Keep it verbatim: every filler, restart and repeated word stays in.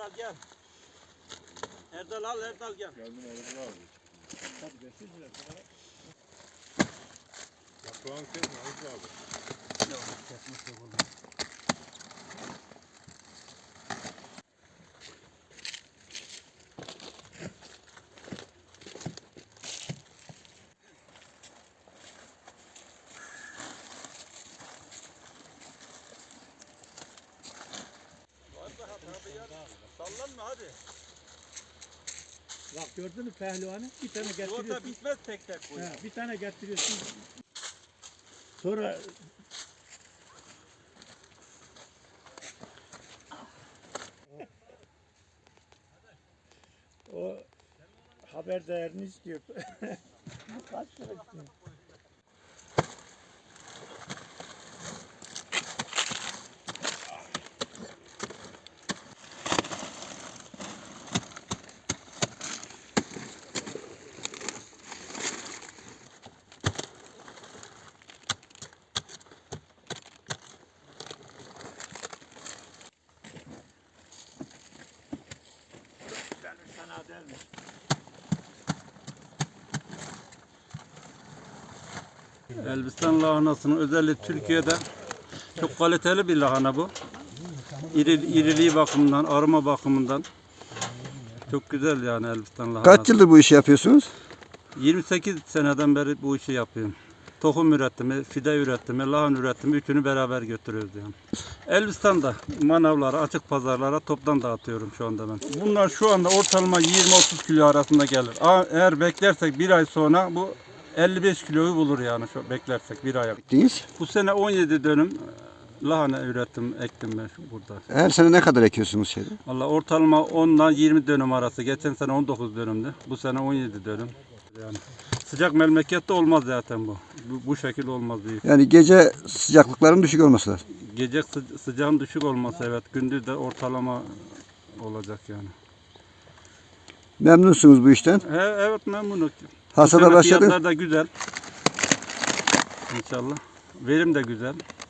Erdal gel. Erdal al, Erdal gel. Geldim Erdal abi. Hadi beş yüz lira. Yaprağın kesme Erdal abi. Yok, kesmek yok oğlum. Sallanma hadi. Bak gördün mü pehlivanı? Bir tane getiriyorsun. Yolda bitmez tek tek bu. He, bir tane getiriyorsun. Sonra o haber değerini istiyor. Kaç lira istiyor? Fena değil mi? Elbistan lahanasının özelliği Türkiye'de çok kaliteli bir lahana bu. İri, iriliği bakımından, aroma bakımından çok güzel yani Elbistan lahanası. Kaç yıldır bu işi yapıyorsunuz? yirmi sekiz seneden beri bu işi yapıyorum. Tohum üretimi, fide üretimi, lahana üretimi üçünü beraber götürüyoruz yani. Elbistan'da manavlara, açık pazarlara toptan dağıtıyorum şu anda ben. Bunlar şu anda ortalama yirmi otuz kilo arasında gelir. Eğer beklersek bir ay sonra bu elli beş kiloyu bulur yani şu beklersek bir aya. Değil. Bu sene on yedi dönüm lahana ürettim, ektim ben şu burada. Her sene ne kadar ekiyorsunuz şeyde? Vallahi ortalama on ile yirmi dönüm arası. Geçen sene on dokuz dönümdü. Bu sene on yedi dönüm. Yani sıcak memlekette olmaz zaten bu. Bu, bu şekil olmaz değil. Yani gece sıcaklıkların düşük olması lazım. Gece sı- sıcağın düşük olması evet. Gündüz de ortalama olacak yani. Memnunsunuz bu işten. He, evet memnunum. Bu Hasada sene başladı. fiyatlar da güzel. İnşallah. Verim de güzel.